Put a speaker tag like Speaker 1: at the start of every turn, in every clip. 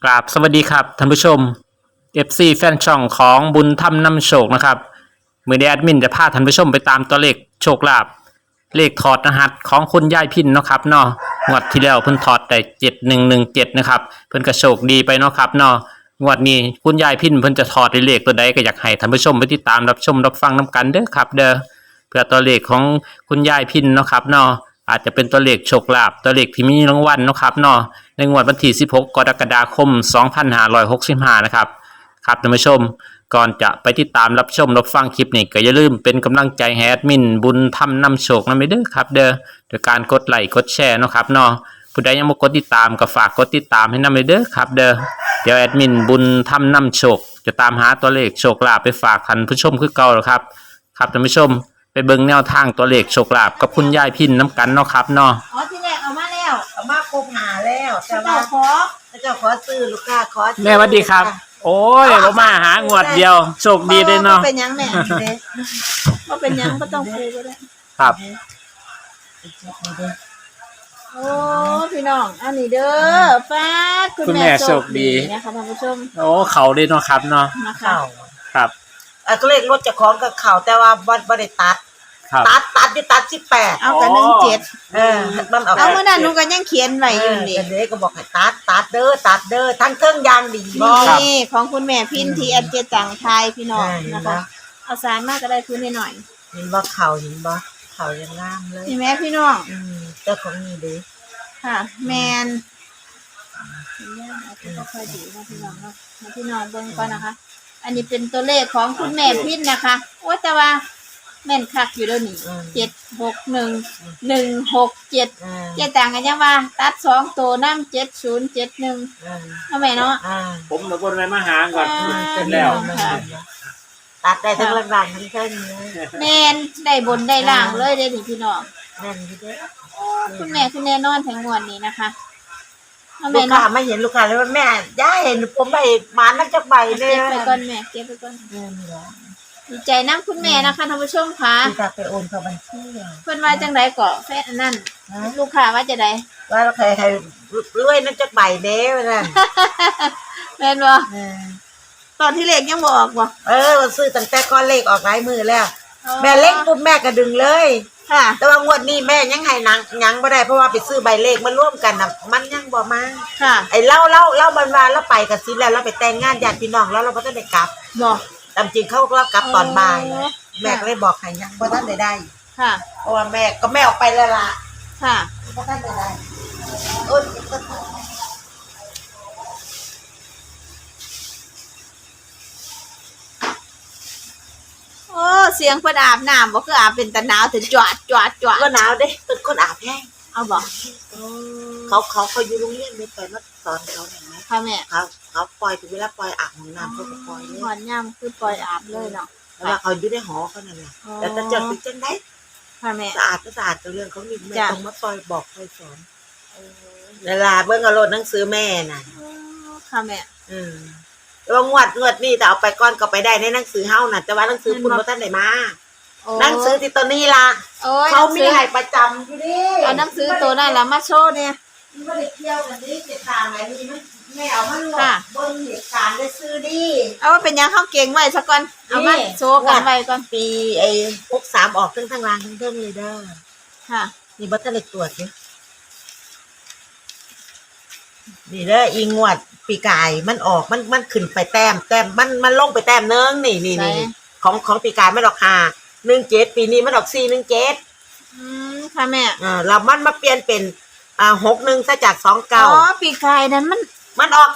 Speaker 1: กราบสวัสดีครับท่านผู้ชม FC แฟนช่องของบุญธรรมนำโชคนะครับมือนี้แอดมินจะพาท่านผู้ชมไปตามตัวเลขโชคลาภเลขถอดรหัสของคุณยายพินเนาะครับเนาะงวดที่แล้วเพิ่นถอดได้7117นะครับเพิ่นก็โชคดีไปเนาะครับเนาะงวดนี้คุณยายพินเพิ่นจะถอดเลขตัวใดก็อยากให้ท่านผู้ชมไปติดตามรับชมรับฟังนํกันเด้อครับเด้อเพื่อตัวเลขของคุณยายพินเนาะครับเนาะอาจจะเป็นตัวเลขโชคลาภตัวเลขที่มีรางวัลเนาะครับเนาะในงวดวันที่16กรกฎาคม2565นะครับครับท่านผู้ชมก่อนจะไปติดตามรับชมรับฟังคลิปนี้ก็อย่าลืมเป็นกำลังใจให้แอดมินบุญธรรมนำโชคนำไปเด้อครับเด้อโดยการกดไลค์กดแชร์เนาะครับเนาะผู้ใดยังบ่กดติดตามก็ฝากกดติดตามให้นำไปเด้อครับเด้อเดี๋ยวแอดมินบุญธรรมนำโชคจะตามหาตัวเลขโชคลาภไปฝากท่านผู้ชมคือเก่าแล้วครับครับท่านผู้ชมไปเบิ่งแนวทางตัวเลขโชคลาภกับคุณยายพินน้ำกันเนาะครับเนาะ
Speaker 2: อ๋อที่แรกเอามาแล้ว
Speaker 3: เอามาครบหาแล้วแต่
Speaker 2: เจ้า
Speaker 3: ว่า
Speaker 2: ขอ
Speaker 3: เจ้าขอซื้อลูกค้าขอซื้อ
Speaker 1: แม่สวัสดีครับ โอ้ยบ่มาหางวดเดียวโชคดีเลยเนาะ
Speaker 2: บ่เป็นหยังแม่บ่เป็นหยังก็ต้องคุยก็ได้
Speaker 1: ครับ
Speaker 2: โอ้พี่น้องอันนี้เด้อฟ้าคุณแม่โชคดีนะคะท่านผู้ชม
Speaker 1: โอ้เขาเลยเนาะครับเนาะ
Speaker 2: นะคะ
Speaker 3: เข่า
Speaker 1: ครับ
Speaker 3: ก็เลขรถเจะของกับเข่าแต่ว่าบ่ได้ตัด
Speaker 1: ครับ
Speaker 3: ตัดที่ตัด18
Speaker 2: เอากับ17
Speaker 3: มันออก
Speaker 2: เอาเมื่อนั้นหนูก็ยังเขียนไว้อยู่นี่
Speaker 3: เด็กก็บอกให้ตัดเด้อทั้งเครื่องยางดีบ่
Speaker 2: นี่ของคุณแม่พินที่แอดเจจังไทยพี่น้องนะคะเอาสารมากก็ได้คืนให้หน่อย
Speaker 3: เห็นบ่เข่าเห็นบ่เข่ายังงามเลย
Speaker 2: นี่แม่พี่น้อง
Speaker 3: เจ้าของนี่เด้
Speaker 2: ค่ะแมนค่อยๆดีนะพี่น้องเนาะให้พี่น้องเบิ่งก่อนนะคะ อันนี้เป็นตัวเลขของคุณแม่พินนะคะโอ้แต่ว่าแม่นคักอยู่แล้วนี่761 167เจ๊ต่างกันยังว่าตัด2ตัวน้ำ7071เนาะแม่เนาะ
Speaker 1: ผมมาบนไปมาหาก่อน
Speaker 3: เป็นแล้วตัดได้ทั้งล่างทั้งเครื่องเลย
Speaker 2: แม่นได้บนได้ล่างเลยเด้อนี่พี่น้อง
Speaker 3: แม่นอยู่เด้
Speaker 2: คุณแม่คือแน่นอนทั้งมวลนี้นะคะเนาะ
Speaker 3: ลู
Speaker 2: แม่
Speaker 3: กค้า
Speaker 2: เนาะ
Speaker 3: ไม่เห็นลูกค้าเลยว่าแม่ย่าเห็นผมไปมานักจักใบเล
Speaker 2: เก็
Speaker 3: ย
Speaker 2: บไปก่อนแม่เก็บไปก่อนดีใจน้ำคุณแม่นะคะท่านผู้ชมค่ะ
Speaker 3: ที่จะไปโอนเข้าบัญชี
Speaker 2: เพิ่นว่าจังไดก็แฟนอันนั้นลูกค้าว่าจะได
Speaker 3: ว่าใครรวยนักจักใบเด้อนั่น
Speaker 2: แม่นบ่ตอนที่เลขยังบ่ออกบ่
Speaker 3: ซื้อตั้งแต่ก้อนเลขออกหลายมือแล้ว แม่เล็กปุ๊บแม่ก็ดึงเลย
Speaker 2: ค่ะ
Speaker 3: แต่ว่างวดนี้แม่ยังให้หนังยังบ่ได้เพราะว่าไปซื้อใบเลขมาร่วมกันน่ะมันยังบ่มา
Speaker 2: ค่ะ
Speaker 3: ไอ้เล่ามันว่าเราไปกับซิแล้วเราไปแต่งงานญาติพี่น้องแล้วเราบ่ทันได้กลับ
Speaker 2: บ่
Speaker 3: ตามจริงเขาก็กลับตอนบ่ายแม่ก็เลยบอกให้ยังบ่ทันได้
Speaker 2: ค่ะ
Speaker 3: เพราะว่าแม่ออกไปแล้วล่ะ
Speaker 2: ค่ะ
Speaker 3: บ่ทันได้โอ้ย
Speaker 2: โอ้เสียงเพิ่นอาบน้ำบ่คืออาบเป็นตะหนาวถึงจวด
Speaker 3: ก็หนาวเด้เป็นคนอาบแห้ง
Speaker 2: เอาบ่
Speaker 3: เขาอยู่โรงเรียนไม่ไปมาสอนเขาเห็นไหม
Speaker 2: ค่ะแม่
Speaker 3: เขาปล่อยถึงเวลาปล่อยอาบของน้ำเขาก็ปล่อยเลย
Speaker 2: หอนย่ำคือปล่อยอาบเลยเนาะ
Speaker 3: แล้วว่าเขาอยู่ในหอเขานั่นแหละแต่ถ้าจดเป็นจังได้
Speaker 2: ค่ะแม่
Speaker 3: สะอาดก็สะอาดกับเรื่องเขามีไม่
Speaker 2: จ้ะ
Speaker 3: ต้องมาปล่อยบอกปล่อยสอนเวลาเบิ่งเอารถหนังสือแม่น่ะ
Speaker 2: ค่ะแม่
Speaker 3: แล้วงวดนี่แต่เอาไปก้อนก็ไปได้ในหนังสือเฮาน่ะแต่ว่าหนังสือคุณบ่ทันได้มาหนังสือที่ตัวนี้ล่ะ
Speaker 2: โอ้ย
Speaker 3: เขามีให้ประจำอยู่ดิ
Speaker 2: เอาหนังสือตัวนั้นล่ะมาโชว์เนี่ย
Speaker 3: มันบ่ได้เกี่ยวกันดิเหตุการณ์อะไรนี่มันแม่เอามาลง
Speaker 2: ค่ะ
Speaker 3: เบิ่งเหตุการณ์ได้ซื้อดิ
Speaker 2: เอาว่าเป็นหยังเข้าเก่งไว้ซะก่อนเอามาโชว์กันไว้ก่อน
Speaker 3: ปีไอ้63ออกทั้งล่างทั้งเทิงเลยเด้อ
Speaker 2: ค่ะ
Speaker 3: นี่บ่ทันได้ตรวจเด้อนี่เด้ออีงวดปีกายมันออกมันขึ้นไปแต้มมันลงไปแต้มนึงนี่
Speaker 2: ไหน
Speaker 3: ของปีกายมันออก517ปีนี้มันออก417
Speaker 2: ค่ะแม่
Speaker 3: แล้วมันมาเปลี่ยนเป็น61ซะจาก29
Speaker 2: ปีกายนั้น
Speaker 3: มันออก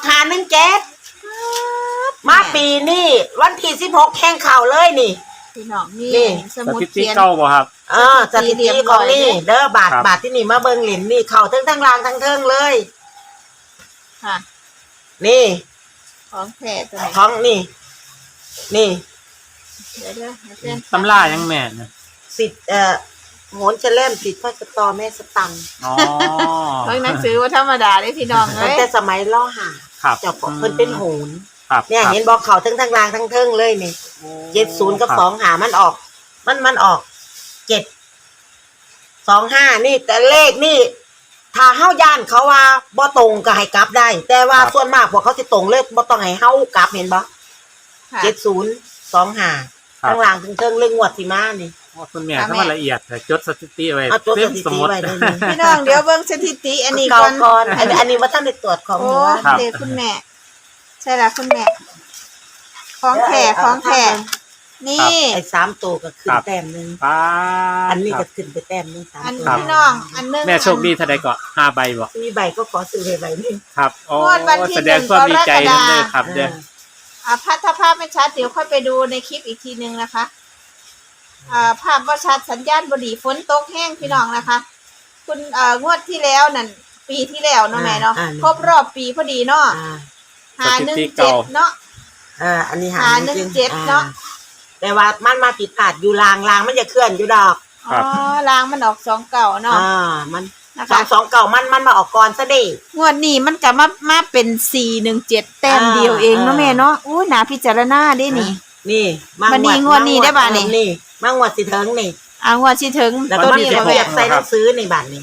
Speaker 3: 517มาปีนี้วันที่16แข่งข่าวเลยนี่
Speaker 2: พี่น้องนี่
Speaker 3: นี่
Speaker 2: ส
Speaker 1: ส
Speaker 2: มุด
Speaker 1: ถิติ
Speaker 2: เขียน
Speaker 1: เก่าบ่ครับ
Speaker 3: สถิติของนี่เด้อบาทที่นี่มาเบิ่งหลินนี่เข้าทั้งล่างทั้งเทิงเลย
Speaker 2: ค่ะ
Speaker 3: นี่
Speaker 2: ของแท้ตัวไหน
Speaker 3: ของนี่
Speaker 2: เดี๋ยวเส้น
Speaker 1: ตำรายังแม่นนะ
Speaker 3: สิทธิ์โหนจะเล่มสิทธิ์พระสตอแม่สตังค์
Speaker 1: อ๋อ
Speaker 2: ของหนังสือว่าธรรมดาเลยพี่น้องเล
Speaker 3: ตั้ง
Speaker 2: ย
Speaker 3: แต่สมัยล่อหา
Speaker 1: ครับ
Speaker 3: เจ้าของเพิ่นเป็นโหน
Speaker 1: ครับ
Speaker 3: เนี่ยเห็นบอกเขาทั้งล่างทั้งเทิงเลยนี่70กับ2หามันออกมันออก725นี่แต่เลขนี่ถ้าเฮาย่านเขาว่าบ่ตรงก็ให้กลับได้ แต่ว่าส่วนมากพวกเขาสิตรงเลยบ่ต้องให้เฮากลับเห็นบ่
Speaker 2: ค่ะ
Speaker 3: 7025ข้างล่างถึงเทิงเรื่องงวดสิมานี่
Speaker 1: คุณแม่ถ้ามันละเอียดแต่จดสถิติไว้
Speaker 3: เอาจด
Speaker 1: เต็
Speaker 3: ส
Speaker 1: ม
Speaker 3: ถิ
Speaker 1: ส
Speaker 3: ติ
Speaker 1: มุด
Speaker 3: ไว้ได้นี่
Speaker 2: พี่น้องเดี๋ยวเบิ่งสถิติอันนี้
Speaker 3: เก่า
Speaker 2: ก่อน
Speaker 3: ก่อนอันนี้ว่าท่านได้ตรวจของ
Speaker 2: โอ้
Speaker 3: หมู่บ้าน
Speaker 1: ครับ
Speaker 2: เด็กคุณแม่ ใช่ละคุณแม่ ของแท้ของแท้นี่
Speaker 3: ไอ้3ตัวก็ขึ้นแต้มนึง
Speaker 1: ป้า
Speaker 3: อันนี้ก็ขึ้นไปแต้มนึง
Speaker 2: อัน
Speaker 3: 3ตัว
Speaker 2: พี่น้องอันหนึง
Speaker 1: แม่โชคดีเท่าใดก็5ใบบ่
Speaker 3: มีใบก็ขอซื้อใบนึง
Speaker 1: ครับโอ้
Speaker 2: งวดวันที่
Speaker 1: แสดงความดีใจ
Speaker 2: 1 กรกฎาคม
Speaker 1: นำเลยครับเด้อ
Speaker 2: ถ้าภาพไม่ชัดเดี๋ยวค่อยไปดูในคลิปอีกทีนึงนะคะภาพว่าชัดสัญญาณบดีฝนตกแห้งพี่น้องนะคะ คุณงวดที่แล้วนั่นปีที่แล้วเนาะแม่เนาะครบรอบปีพอดีเนาะ 517เนาะ
Speaker 3: อันนี้
Speaker 2: 517เนาะ
Speaker 3: แต่ว่ามันมาผิดพลาดอยู่ลางมันจะเคลื่อนอยู่ดอก
Speaker 2: อ๋อรางมันออก2 เก่าเนาะ
Speaker 3: มัน
Speaker 2: นะคะ
Speaker 3: 2 เก่ามันมาออกก่อนซะดิ
Speaker 2: งวดนี้มันก็มาเป็น417แต้มเดียวเองเนาะแม่เนาะอู้น่าพิจารณาได้นี่
Speaker 3: นี่
Speaker 2: วันนี้งวดนี้ได้บาทนี่
Speaker 3: นี่มางวดสิเถิงนี่
Speaker 2: งวดที่ถึง
Speaker 3: แล้ว
Speaker 2: ตั
Speaker 3: ก็
Speaker 2: ว
Speaker 3: มี
Speaker 2: นี้
Speaker 3: เป
Speaker 2: ก็
Speaker 3: รี
Speaker 2: แม่
Speaker 3: ยบใส่หนังสือในบัตรนี่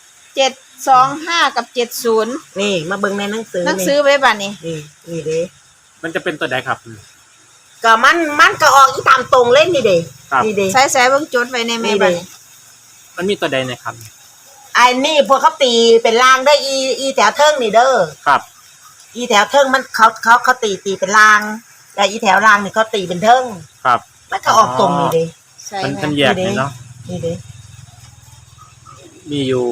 Speaker 2: 725กับ70
Speaker 3: นี่มาเบิ่งในหนังสือ
Speaker 2: หนังสือไว้บัดนี้
Speaker 3: นี่เด้
Speaker 1: มันจะเป็นตัวใดครับ
Speaker 3: ก็มันก็ออกอีตามตรงเล่นนี่เด้
Speaker 1: ครับ
Speaker 3: นี่เด้
Speaker 2: ใส่เบิ่งจดไว้ในแม่
Speaker 3: นี่
Speaker 2: บัด
Speaker 3: เด้
Speaker 2: นี้
Speaker 1: มันมีตัวใดนะครับ
Speaker 3: ไอ้นี่พวกเขาตีเป็นรางได้อีแถวเทิงนี่เด้อ
Speaker 1: ครับ
Speaker 3: อีแถวเทิงมันเขาตีเป็นรางแต่อีแถวรางนี่เขาตีเป็นเทิง
Speaker 1: ครับ
Speaker 3: มันก็ออกตรงนี่เด้
Speaker 2: ใส่
Speaker 1: มัน
Speaker 2: แม่
Speaker 1: เป็นแยกนี่เนาะ
Speaker 3: นี่เด้
Speaker 1: มีอยู่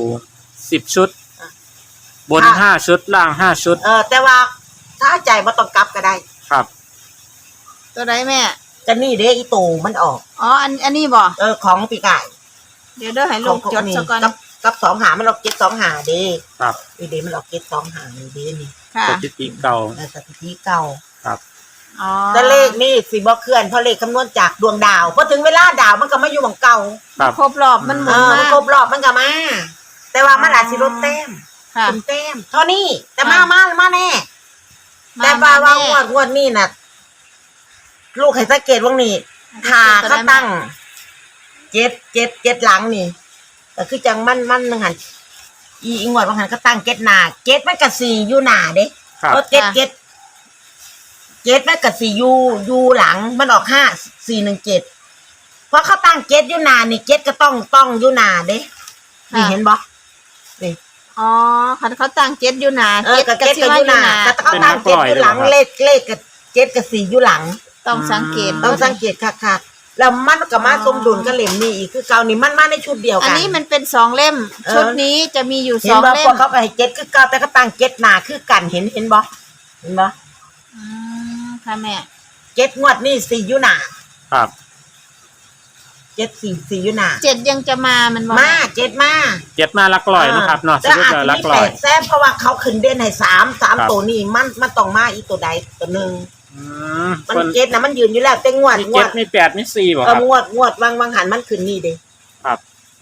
Speaker 1: 10ชุด บน
Speaker 3: อ่ะ
Speaker 1: 5ชุดล่าง5ชุด
Speaker 3: แต่ว่าถ้าใจบ่ต้องกลับก็ได้
Speaker 1: ครับ
Speaker 2: ตัวใดแม่
Speaker 3: ก็นี่เด้อีตูมันออก
Speaker 2: อ๋ออันนี้บ่
Speaker 3: ของปีกไก่
Speaker 2: เดี๋ยวเด้อให้ลงจดซะก่อน
Speaker 3: กับ2 หามันออก7 2 หาเด้
Speaker 1: ครับ
Speaker 3: นี่เด้มันออก7 2 หานี่เด้นี่
Speaker 2: ค่ะ
Speaker 1: สถิติเก่า
Speaker 3: สถิติเก่า
Speaker 1: ครับ
Speaker 2: อ๋อ
Speaker 3: แต่เลขนี่สิบ่เคลื่อนเพราะเลขคำนวณจากดวงดาวพอถึงเวลาดาวมันก็มาอยู่หม่องเก่า
Speaker 1: ครับ
Speaker 2: ครบรอบมันหมุน
Speaker 3: มั
Speaker 2: มาน
Speaker 3: ครบรอบมันก็มา แต่ว่ามันอาจสิลดแต้ม
Speaker 2: ค่ะ
Speaker 3: ขึ้นแต้มเท่านี้แต่มา
Speaker 2: ค่ะ
Speaker 3: มาแน่ แต่ว่างวดนี่น่ะลูกให้สังเกตว่านี่ถ้าเขาตั้งเจ็ดหลังนี่ก็คือจังมันนึงหันอีงวดบางหันเขาตั้งเจ็ดหน้าเจ็ดมันก็4อยู่หน้าเด้
Speaker 1: ครับ
Speaker 3: เพราะเจ็ดมันก็4อยู่หลังมันออก5417เพราะเขาตั้งเจ็ดอยู่หน้านี่เจ็ดก็ต้องอยู่หน้าเด้นี่เห็นบ่นี่
Speaker 2: อ๋อคันเขาตั้ง7อยู่หน้า
Speaker 3: ก็เจ็ดก็อยู่หน้าแต่เขาตั้งเจ็ดอยู่หลังเลขกับเจ็ดกับ4อยู่หลัง
Speaker 2: ต้องสังเกต
Speaker 3: ต้องสังเกตคักๆแล้วมันก็มาสมดุลกับเล่มนี้อีกคือเก่านี่มันมาในชุดเดียวกัน
Speaker 2: อันนี้มันเป็น2เล่ม ชุดนี้จะมีอยู่
Speaker 3: เห็นบ่
Speaker 2: 2เล่
Speaker 3: พว
Speaker 2: ม
Speaker 3: กเขาก็ให้เจ็ดคือเก่าแต่เขาตั้งเจ็ดหน้าคือกันเห็นบ่เห็นบ่
Speaker 2: ค่ะแม่
Speaker 3: เจ็ดงวดนี่4อยู่หน้า
Speaker 1: ครับ
Speaker 3: เจ็ด4อยู่หน้า
Speaker 2: 7ยังจะมามันบ่
Speaker 3: มาเจ็ดมา
Speaker 1: เจ็ดมาหลักร้อยนะครับเนาะส
Speaker 3: แต่
Speaker 1: รุป
Speaker 3: อาจ
Speaker 1: แล้วหลั
Speaker 3: จะมี
Speaker 1: กร้
Speaker 3: แป
Speaker 1: อย
Speaker 3: ดแซ่บเพราะว่าเขาขึ้นเด่นให้3
Speaker 1: ครับ
Speaker 3: ตัวนี่มันต้องมาอีกตัวใดตัวหนึง
Speaker 1: อืม
Speaker 3: มัน
Speaker 1: คน
Speaker 3: เจ็ดนะมันยืนอยู่แล้วแต่งวด
Speaker 1: มี
Speaker 3: ง
Speaker 1: เจ็
Speaker 3: ว
Speaker 1: ด
Speaker 3: ด
Speaker 1: มี8มี4บ่ครับ
Speaker 3: งวดวางหันมันขึ้นนี่เด้
Speaker 1: ครับ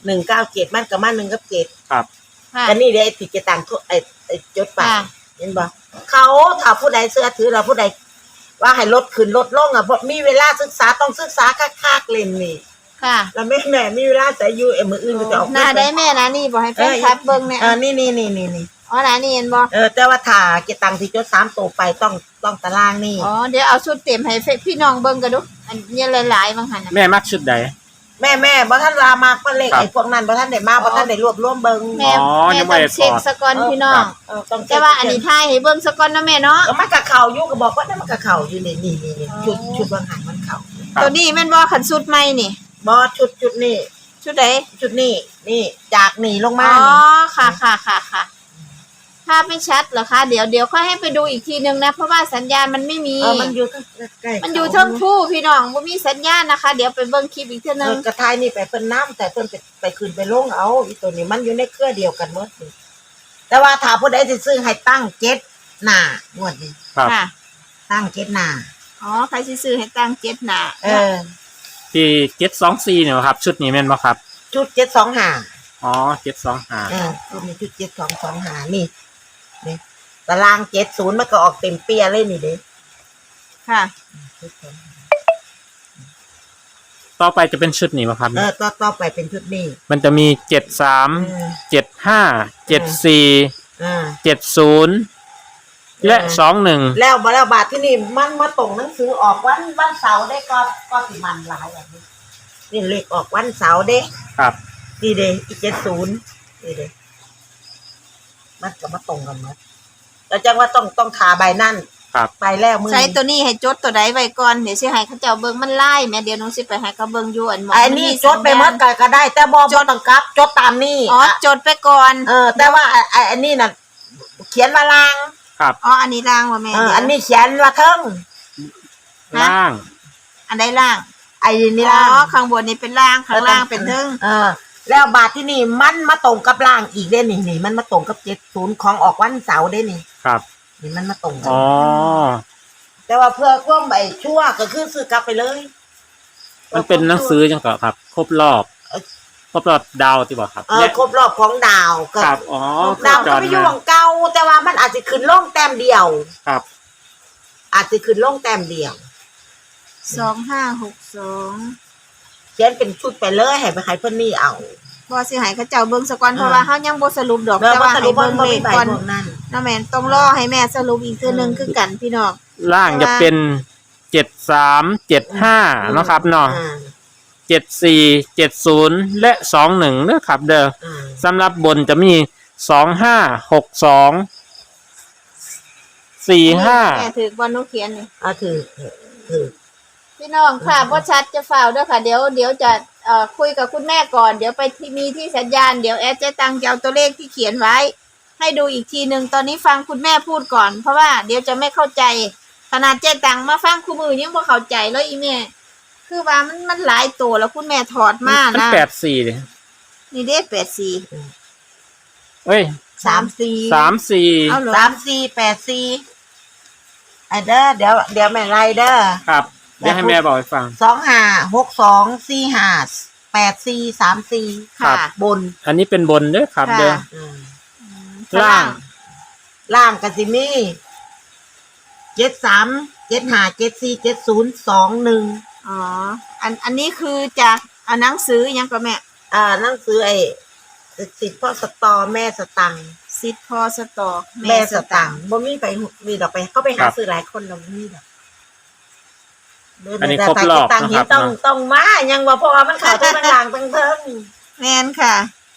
Speaker 3: 197มันกับมา1กับ7
Speaker 1: ครับ
Speaker 2: ค่ะ
Speaker 3: แต่นี่เด้ไอ้ที่จะต่างไอ้จดไป
Speaker 2: ค่ะ
Speaker 3: เห็นบ่เขาถ้าผู้ใดเสื้อถือเราผู้ใดว่าให้ลดขึ้นลดลงอ่ะเพราะมีเวลาศึกษาต้องศึกษาคักๆเล่นนี่
Speaker 2: ค่ะ
Speaker 3: แล้วแม่มีเวลาใส่อยู่มื้ออื่นก็จะออก
Speaker 2: หน้าได้แม่นะนี่บ่ให้แฟนคลับเบิ่งแน่
Speaker 3: นี่
Speaker 2: อ๋อหน้านี่เห็นบ่
Speaker 3: แต่ว่าถ้าเก็บตังค์ที่จด3ตัวไปต้องตารางนี่
Speaker 2: อ๋อเดี๋ยวเอาชุดเต็มให้พี่น้องเบิ่งกันดูอันนี้หลายๆบางหันน่ะ
Speaker 1: แม่มักชุดใด
Speaker 3: แม่บ่ทันลามากบ่เลข
Speaker 1: ครับ
Speaker 3: ไอ้พวกนั้นบ่ทันได้มาบ่ทันได้รวบรวมเบิ่ง
Speaker 2: แม่
Speaker 1: อ๋อ
Speaker 2: แม่
Speaker 1: ยังไม่
Speaker 2: ต้อง
Speaker 1: ได้
Speaker 2: เช็ค
Speaker 1: ถอด
Speaker 2: สกอนพี่น้อง
Speaker 3: ต้อง
Speaker 2: แต่ว่าอันนี้ทายให้เบิ่งสกอนนะแม่เนาะ
Speaker 3: ก็มันก็เข้าอยู่ก็บอกว่านั่นมันก็เข้าอยู่นี่ชุดวางหันมันเข้า
Speaker 1: ครับ
Speaker 2: ตัวนี้แม่นบ่ขันสุดใหม่นี่
Speaker 3: บ่ชุดนี่
Speaker 2: ชุดใด
Speaker 3: ชุดนี่จากนี่ลง
Speaker 2: อ๋
Speaker 3: มา
Speaker 2: อ
Speaker 3: นี่
Speaker 2: ค่ะภาพไม่ชัดเหรอคะเดี๋ยวค่อยให้ไปดูอีกทีนึงนะเพราะว่าสัญญาณมันไม่มี
Speaker 3: มันอยู่ใกล้ๆ
Speaker 2: มันอยู่เทั้งคู่พี่น้องบ่มีสัญญาณนะคะ เดี๋ยวไปเบิ่งคลิปอีกเทีนึง
Speaker 3: กระทายนี่ไปเพิ่นน้ำแต่เพิ่นไปขึ้นไปลงเอาอีตัวนี้มันอยู่ในเครือเดียวกันหมดนี่แต่ว่าถ้าผู้ใดสิซื้อให้ตั้ง7หน้างวดนี้
Speaker 1: ครับ
Speaker 2: ค่ะ
Speaker 3: ตั้ง7หน้า
Speaker 2: อ๋อใครสิซื้อให้ตั้ง7หน้า
Speaker 1: ที่724เนี่ยครับ ชุดนี้แม่นบ่ครับ
Speaker 3: ชุด725
Speaker 1: อ๋อ725
Speaker 3: ชุดนี้ชุด725นี่ตาราง70มันก็ออกเต็มเปียเลยนี่เด้
Speaker 2: ค่ะ
Speaker 1: ต่อไปจะเป็นชุดนี้ป่ะครับ
Speaker 3: ต่อไปเป็นชุดนี้
Speaker 1: มันจะมี73 75 74 70และ21
Speaker 3: แล้วบาทที่นี่มันมาตรงหนังสือออกวันเสาร์ได้ก็สิมันหลายอย่างนี้นี่เลขออกวันเสาร์เด้
Speaker 1: ครับ
Speaker 3: นี่เด้อีก70นี่เด้มันก็มาตรงกันหมดแล้วจังว่าต้องขาใบนั่น
Speaker 1: ครับ
Speaker 3: ไปแล้วมือ
Speaker 2: ใช้ตัวนี้ให้จดตัวใดไว้ก่อนเดี๋ยวสิให้เขาเจ้าเบิ่งมันไล่แม่เดี๋ยวหนูสิไปให้เขาเบิ่งอยู่อันหม
Speaker 3: อันนี้จดไปหมดก็ได้ แต่บ่ต้องกลับจดตามนี่
Speaker 2: อ๋อจดไปก่อน
Speaker 3: แต่ว่าอันนี้น่ะเขียนว่าล่าง
Speaker 1: ครับ
Speaker 2: อ๋ออันนี้ล่างว่าแม่เดี๋ยว
Speaker 3: อันนี้เขียนว่าเทิง
Speaker 1: ล่าง
Speaker 2: อันใดล่าง
Speaker 3: ไอ้นี่
Speaker 2: อ๋
Speaker 3: ล่าง
Speaker 2: อข้างบนนี่เป็นล่างข้างล่างเป็นเทิง
Speaker 3: แล้วบาทที่นี่มันมาตรงกับล่างอีกเด้นี่มันมาตรงกับ70ของออกวันเสาร์เด้นี่
Speaker 1: ครับ
Speaker 3: นี่มันมาตรงกัน
Speaker 1: อ๋อ
Speaker 3: แต่ว่าเพื่อความใบชั่วก็คือซื้อกลับไปเลย
Speaker 1: มันเป็นหนังสือจังก็ครับ ครบรอบดาวที่บอกครับ
Speaker 3: ครบรอบของดาวก็
Speaker 1: ครับอ๋อ
Speaker 3: ดาวก็ไปอยู่ของเก่าแต่ว่ามันอาจจะขึ้นลงแต้มเดียว
Speaker 1: ครับ
Speaker 3: อาจจะขึ้นลงแต้มเดียว
Speaker 2: 2562
Speaker 3: เขียนเป็นชุดไปเลยให้ไปขายเพิ่นนี่เอา
Speaker 2: บ่สิให้เขาเจ้าเบิ่งซะก่อนเพราะว่าเฮายังบ่สรุปดอก
Speaker 3: แล้ว
Speaker 2: แต่
Speaker 3: ว่า
Speaker 2: ว่า
Speaker 3: ส
Speaker 2: ให้
Speaker 3: รุป
Speaker 2: เบิ่ง
Speaker 3: ว่า
Speaker 2: เล
Speaker 3: มี
Speaker 2: ข
Speaker 3: ใบ
Speaker 2: ก่อน
Speaker 3: พวกนั้น
Speaker 2: น้าแม่นต้องรอให้แม่สรุปอีกเทื่อนึงคือกันพี่น้อง
Speaker 1: ล่างจะเป็น73 75เนาะครับเนาะ74 70และ21เด้อครับเด้อสำหรับบนจะมี25 62
Speaker 2: แม่ถือบ่หนูเขียนนี่
Speaker 3: ถือ
Speaker 2: พี่น้องค่ะบ่ชัดจะฝ่าวเด้อค่ะเดี๋ยวจะคุยกับคุณแม่ก่อนเดี๋ยวไปที่มีที่สัญญาณเดี๋ยวแอดเจ๊ตังจะเอาตัวเลขที่เขียนไว้ ให้ดูอีกทีนึงตอนนี้ฟังคุณแม่พูดก่อนเพราะว่าเดี๋ยวจะไม่เข้าใจขนาดเจ๊ตังมาฟังคู่มือยังบ่เข้าใจเลยอีแม่คือว่ามันหลายตัวแล้วคุณแม่ถอดมา
Speaker 1: มัน
Speaker 2: นะ
Speaker 1: 84เลย
Speaker 2: นี่เด้84
Speaker 1: เอ้ย
Speaker 3: 34
Speaker 1: 34
Speaker 2: เอาเหรอ
Speaker 3: 3484เดี๋ยวแม่ไรเด้อ
Speaker 1: ครับเดี๋ยวให้แม่บอกให้ฟัง
Speaker 3: 2562458434
Speaker 1: ครับ
Speaker 3: บน
Speaker 1: อันนี้เป็นบนเด้อครับ
Speaker 2: ค่ะ
Speaker 1: เด้อ ล่าง
Speaker 3: ล่างก็สิมี73 75 74 70 21
Speaker 2: อ๋ออันนี้คือจะเอาหนังสือยังก็แม่
Speaker 3: หนังสือไอ้สิทธิ์พ่อสตอแม่สตังค์
Speaker 2: ซิดพอสตอก
Speaker 3: แม่สตังค์บ่มีไปมีดอกไปเขาไปหาซื้อหลายคนแล้วบ่มีดอก
Speaker 1: อันนี้ครบรอบ
Speaker 3: ต่าง
Speaker 1: นะ
Speaker 3: หิ
Speaker 1: คน รับ
Speaker 3: ต้อง
Speaker 1: เนาะ
Speaker 3: ต้องมายังว่าเพราะว่ามันเข้าทั้งล่างทั้งเทิง
Speaker 2: แม่นค่ะ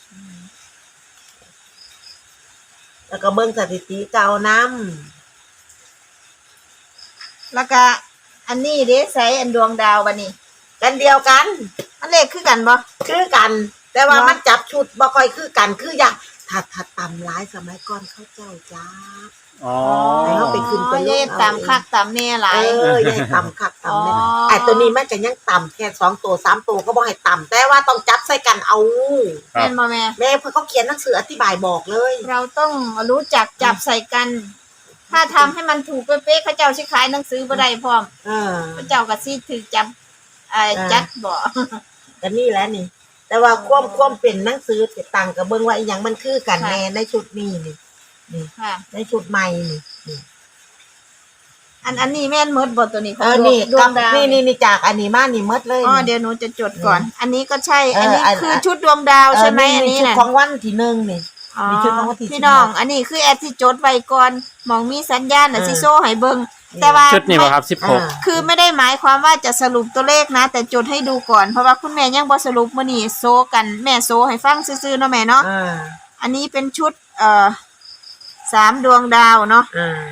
Speaker 3: แล้วก็เบิ่งสถิติเก่านำ
Speaker 2: แล้วก็อันนี้เด้ใส่อันดวงดาวบัดนี้
Speaker 3: กันเดียวกัน
Speaker 2: อันเลขคือกันบ่
Speaker 3: คือกัน แต่ว่า
Speaker 2: เนาะ
Speaker 3: มันจับชุดบ่ค่อยคือกันคืออย่างถ้าตำร้ายสมัยก่อนเขาเจ้าจ้า
Speaker 1: อ๋อ
Speaker 3: ให้เขาไปขึ้นไปลง
Speaker 2: เย่ตามคักตามแน่หลาย
Speaker 3: ยายตำคักตำเนี่ย
Speaker 2: อ๋อ
Speaker 3: ไอ้ตัวนี้มันจะยังตำแค่2ตัว3ตัวก็บ่ให้ตำแต่ว่าต้องจับใส่กันเอา
Speaker 1: ครับ
Speaker 2: แม่นบ่แม่
Speaker 3: แม่เพิ่นเขาเขียนหนังสืออธิบายบอกเลย
Speaker 2: เราต้องรู้จักจับใส่กัน ถ้าทำให้มันถูกเป๊ะๆเขาเจ้าสิขายหนังสือบ่ได้พร้อมเขาเจ้าก็สิถูกจับจัดบ่
Speaker 3: ก็นี่แหละนี่ แต่ว่าความเป็นหนังสือต่างกับเบิ่งว่าอีหยังมันคือกันแน่ในชุดนี้นี่
Speaker 2: ค่ะ
Speaker 3: ในชุดใหม่นี่
Speaker 2: อันนี้แม่นหมดบ่ตัวนี้ของ
Speaker 3: นี่
Speaker 2: ดวงดาว
Speaker 3: นี่จากอันนี้มานี่หมดเลย
Speaker 2: อ๋อเดี๋ยวหนูจะจดก่อน อันนี้ก็ใช่ อันนี้
Speaker 3: เออ
Speaker 2: คือชุดดวงดาวใช่ไหมอันนี้
Speaker 3: ชุด
Speaker 2: น่ะ
Speaker 3: ของวันที่1นี่
Speaker 2: อ๋อ
Speaker 3: มีชุดของวันที่
Speaker 2: พี่น้อง อันนี้คือแอดที่จดไว้ก่อนมองมีสัญญาณน่ะ
Speaker 3: เออ
Speaker 2: สิโซ่ให้เบิ่งแต่ว่า
Speaker 1: ชุดนี้ป่ะครับ
Speaker 2: คือไม่ได้หมายความว่าจะสรุปตัวเลขนะ แต่จดให้ดูก่อนเพราะว่าคุณแม่ยังบ่สรุปมื้อนี้โซกันแม่โซให้ฟังซื่อๆเนาะแม่เนาะ อันนี้เป็นชุด3ดวงดาวเนาะ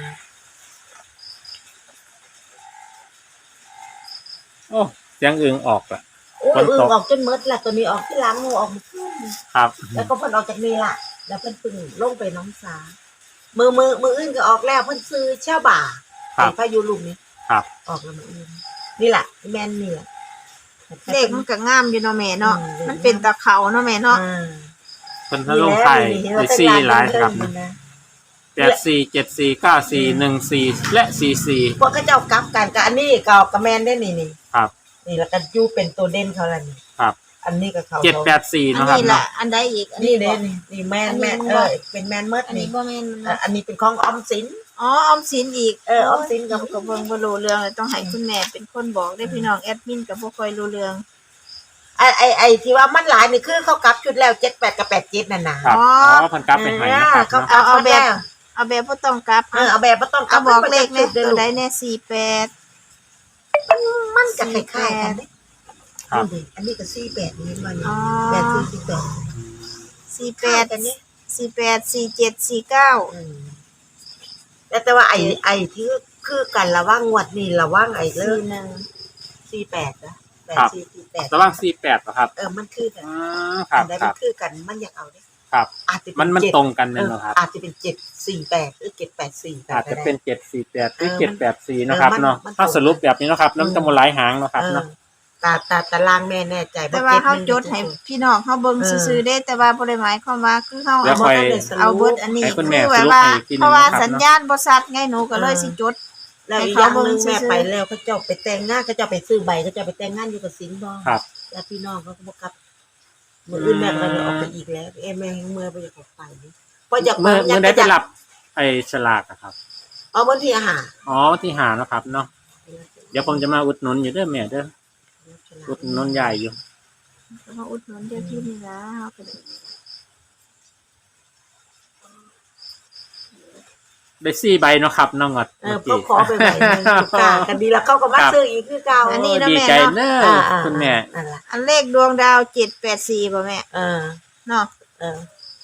Speaker 1: โอ้เสียงอึงออกละ
Speaker 3: โอ้ย
Speaker 1: ฝนตก
Speaker 3: ออกจนหมดละตัวนี้ออกที่หลังงูออกมาขึ้น
Speaker 1: ครับ
Speaker 3: แล้วก็เพิ่นออกจากนี่ล่ะ แล้วเพิ่นปึ่งลงไปน้องสามืออื่นก็ออกแล้วเพิ่นซื้อเช่าบ่า
Speaker 1: ครับ
Speaker 3: ไอ้พายุลูกนี้
Speaker 1: ครับ
Speaker 3: ออกแล้วมืออื่นนี่แหละแม่นนี่แหละ
Speaker 2: เลขมันก็งามอยู่เนาะแม่เนาะ
Speaker 3: อืม
Speaker 2: มันเป็นตะเขาเนาะแม่เนาะ
Speaker 1: คนทะลงไทยในซี่หลายครับ84 74 94 14และ44
Speaker 3: พวกเขาเจ้ากลับกันกับอันนี้กับแม่นได้นี่
Speaker 1: ครับ
Speaker 3: นี่แล้วก็อยู่เป็นตัวเด่นเขาละนี่
Speaker 1: ครับ
Speaker 3: อันนี้ก็เขา
Speaker 1: 784
Speaker 2: อัน
Speaker 1: เนาะครับ
Speaker 2: นี้แห
Speaker 1: เนาะ
Speaker 2: ละอันใดอีก อัน
Speaker 3: นี่
Speaker 2: นี้
Speaker 3: เด้
Speaker 2: บ่
Speaker 3: นี่แม่น
Speaker 2: อันนี้
Speaker 3: แม่น
Speaker 2: บ่
Speaker 3: เป็นแม่นเมิด
Speaker 2: อันนี้
Speaker 3: นี่
Speaker 2: บ่แม่นเนาะ
Speaker 3: อันนี้เป็นของออมสิน
Speaker 2: อ๋อออมสินอีก
Speaker 3: ออมสินกับ
Speaker 2: กับเบิ่งบ่รู้เรื่องเลยต้องให้คุณแม่เป็นคนบอกได้พี่น้องแอดมินก็บ่ค่อยรู้เรื่อง
Speaker 3: ไอที่ว่ามันหลายนี่คือเขากลับชุดแล้ว78กับ87นั่นน่ะ
Speaker 1: ครับ
Speaker 2: อ๋
Speaker 1: อ๋
Speaker 2: อ
Speaker 1: อเพันกลับไปให้นะครับ
Speaker 3: เขา
Speaker 1: เนาะ
Speaker 2: เอาแบบเอาแบบบ่ต้องกลับ
Speaker 3: เอาแบบบ่ต้องกลั
Speaker 2: เอา
Speaker 3: บ
Speaker 2: บอกเลข
Speaker 3: เล
Speaker 2: เนี่ย
Speaker 3: ย
Speaker 2: ตัวใดแน่48
Speaker 3: มันจะคล้ายๆกันเด้
Speaker 1: ครับ
Speaker 3: นี่อันนี้ก็48นี่มัน
Speaker 2: อ๋อ
Speaker 3: แบบ48
Speaker 2: 48 48 47 49
Speaker 3: แต่ว่าไอ้ที่คือกันระว่างงวดนี่ระว่างไอ้เลิก
Speaker 2: 41
Speaker 3: 48นะ
Speaker 1: ครับ
Speaker 3: 8448
Speaker 1: ระหว่าง48เหรอครับ
Speaker 3: มันคือกัน
Speaker 1: อืมครับ
Speaker 3: อันใด
Speaker 1: ค
Speaker 3: มั
Speaker 1: รั
Speaker 3: น
Speaker 1: บ
Speaker 3: คือกันมันอยากเอาเด้
Speaker 1: ครับ
Speaker 3: อาจจะเป็
Speaker 1: มัน
Speaker 3: 7
Speaker 1: ตรงกันเลยเหรอครับ
Speaker 3: อาจจะเป็น748หรือ784
Speaker 1: อาจจะเป็น748หรือ
Speaker 3: เออ
Speaker 1: 784นะครับเนาะ
Speaker 3: มัน
Speaker 1: ถ้าสรุปแบบนี้เนาะครับน้ำจะมาหลายหางเนาะครับเนาะ
Speaker 3: ตารางแม่แน่ใจ
Speaker 2: แต่ว่าเฮาจดให้พี่น้องเฮาเบิ่งซื่อๆเด้แต่ว่าบ่ได้หมายความว่าคือเฮา
Speaker 1: แล้ว
Speaker 2: เอา
Speaker 1: ค่อย
Speaker 2: เอาเบิดอันนี้
Speaker 1: ให้คุณแม่
Speaker 2: คือแบบว่า
Speaker 1: สรุปให้อีกทีหนึ่ง
Speaker 2: เพราะว่า
Speaker 1: นะครับ
Speaker 2: สัญญาณบ่ชัดไงหนูก็เลยสิจด
Speaker 3: แล้วอีกอย่างหนึงแม่ไปแล้วเขาเจ้าไปแต่งงานเขาเจ้าไปซื้อใบเขาเจ้าไปแต่งงานอยู่กับสิงห์บ่
Speaker 1: ครับ
Speaker 3: แล้วพี่น้องเขาก็บ่กลับมื้ออื่นแม่ก็เลยออกไปอีกแล้วแม่ยังเมื่อยบ่อยากออกไปเพราะอยาก
Speaker 1: เมื่อได้ไปรับไอ้ฉลากอะครับ
Speaker 3: เอาบนที่อาหาร
Speaker 1: อ๋อที่หาเนาะครับเนาะเดี๋ยวผมจะมาอุดหนุนอยู่เด้อแม่เด้ออุดหนุนยายอยู่
Speaker 2: มาอุดหนุนเดี๋ยวที่นี่นะเฮาก็ได้
Speaker 1: ได้4 ใบเนาะครับน้องงอด
Speaker 3: ก็ขอไปใบนึงกากันดีแล้วเขาก็มาซื้ออีกคือเก่า
Speaker 2: อันนี้
Speaker 1: ดีใจเด้อคุณแม่
Speaker 3: นั่นล่ะ
Speaker 2: อันเลขดวงดาว784บ่แม่ เนาะ
Speaker 3: เออ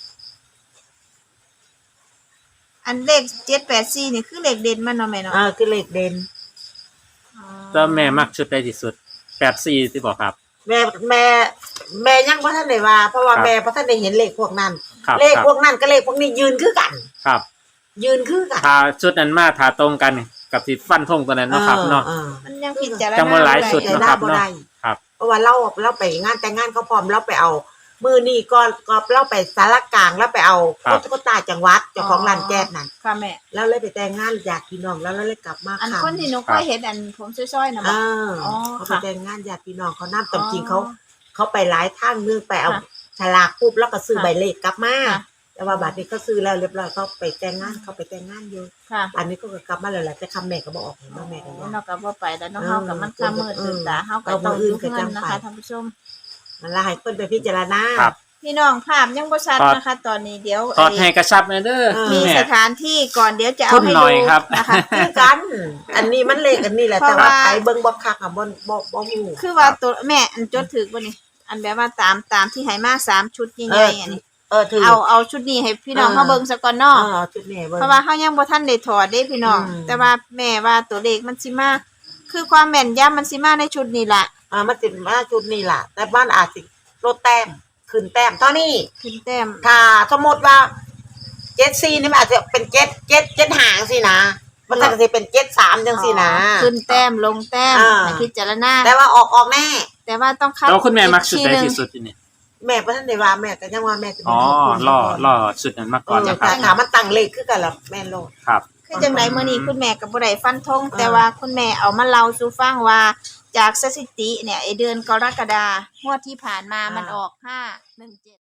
Speaker 2: อันเลข784นี่คือเลขเด่นมันเนาะแม่เนาะ
Speaker 3: คือเลขเด่น
Speaker 2: อ๋อ
Speaker 1: ก็แม่มักชุดใดที่สุด84ที่บอกครับ
Speaker 3: แม่ยังบ่ทันได้ว่าเพราะว่า
Speaker 1: ครับ
Speaker 3: แม่บ่ทันได้เห็นเลขพวกนั้น
Speaker 1: ครับ
Speaker 3: เลข
Speaker 1: ครับ
Speaker 3: พวกนั้นกับเลขพวกนี้ยืนคือกัน
Speaker 1: ครับ
Speaker 3: ยืนคือกัน
Speaker 1: ถ้าชุดนั้นมาถ้าตรงกันกับที่ฟันธงตัวนั้นเนาะครับเนาะ
Speaker 2: มันยังพิจารณา
Speaker 1: จังว่าหลายสุด
Speaker 3: แต่
Speaker 1: เนาะ
Speaker 3: ได้
Speaker 1: ครับ
Speaker 3: บ่
Speaker 1: เนาะ
Speaker 3: ได้
Speaker 1: ครับ
Speaker 3: เพราะว่าเราไปงานแต่งงานเขาพร้อมเราไปเอามือนี่ก็เราไปสารกลางแล้วไปเอา
Speaker 1: ครับ
Speaker 3: ตุ๊กตาจังหวัดเจ้าของร้านแก๊สนั่น
Speaker 2: ค่ะแม่
Speaker 3: แล้วเลยไปแต่งงานญาติพี่น้องแล้วเลยกลับมา
Speaker 2: อัน
Speaker 3: ค่ะ
Speaker 2: คนที่หนูเคยเห็นอันผมซ้อยๆนะ
Speaker 3: เอ
Speaker 2: บ่
Speaker 3: อ เขาไป
Speaker 2: ค่ะ
Speaker 3: แต่งงานญาติพี่น้องเขาน้ำตำจริงเขาไปหลายทางนึงไปเอาฉลากปุ๊บแล้วก็ซื้อใบเลขกลับมา
Speaker 2: ค่ะ
Speaker 3: แต่ว่าบัดนี้เขาซื้อแล้วเรียบร้อยเขาไปแต่งงานอยู่
Speaker 2: ค่ะ
Speaker 3: อันนี้ก็กลับมาแล้วแหละแต่คำแม่ก็บอกออกเห็นว่าแม่ก็ว่า
Speaker 2: เราก็บ่ไปแล้วเนาะเฮากับมันค่ามืดตื่นตาเฮาก็ต้องอยู่เฮือนนะคะท่านผู้ชม
Speaker 3: มันละให้คนไปพิจารณา
Speaker 1: ครับ
Speaker 2: พี่น้องภาพยังบ่ชัดนะคะ ตอนนี้เดี๋ยว
Speaker 1: ถอดให้กระชับเลยเด้อ
Speaker 2: มี
Speaker 1: แม่
Speaker 2: สถานที่ก่อนเดี๋ยวจะเอา
Speaker 1: ทุ่ม
Speaker 2: ให้
Speaker 1: หน่
Speaker 2: ดู
Speaker 1: อยครับ
Speaker 2: นะคะ
Speaker 3: คือกัน อันนี้มันเลขอันนี้แหละ
Speaker 2: เพ
Speaker 3: แต่
Speaker 2: ราะ
Speaker 3: ว่า
Speaker 2: ว่า
Speaker 3: ไปเบิ่งบ่คักอ่ะบ่ฮู้
Speaker 2: คือว่าตัวแม่อันจดถึกบ่นี่อันแบบว่าตามที่ให้มา3ชุดใหญ่ๆอันนี้
Speaker 3: ถือ
Speaker 2: เอาชุดนี้ให้พี่น้องเฮาเบิ่งซะก่อนเนาะ
Speaker 3: จุดนี้เบิ่ง
Speaker 2: เพราะว่าเฮายังบ่ทันได้ถอดเด้พี่น้อง แต่ว่าแม่ว่าตัวเลขมันสิมาคือความแม่นยำมันสิมาในชุดนี้ล่ะ
Speaker 3: มันสิมาจุดนี้ล่ะ แต่บ้านอาจสิลดแต้มขึ้นแต้มเท่านี้
Speaker 2: ขึ้นแต้ม
Speaker 3: ถ้าสมมติว่า74นี่มันอาจจะเป็น7หางสินะมันก็สิเป็น73จังสินะ
Speaker 2: ขึ้นแต้มลงแต้ม
Speaker 3: อ่า
Speaker 2: ให้พิจารณา
Speaker 3: แต่ว่าออกแน่
Speaker 2: แต่ว่าต้องคัด
Speaker 1: แล้วคุณแม่มักชุดใด
Speaker 2: อีก
Speaker 1: ที่สุดที่นี่
Speaker 3: แม่บ่ทันได้ว่าแม่ก็ยังว่าแม่จะ
Speaker 1: อ๋อล่อชุดนั้นมาก่อนนะครั
Speaker 3: แต่
Speaker 1: บ
Speaker 3: ถามมันตั้งเลขคือกันล่ะแม่โลด
Speaker 1: ครับ
Speaker 2: คือจังไดมื้อนี้คุณแม่ก็บ่ได้ฟันธงแต่ว่าคุณแม่เอามาเล่าสู่ฟังว่าจากสถิติเนี่ยไอเดือนกรกฎาคมงวดที่ผ่านมามันออก517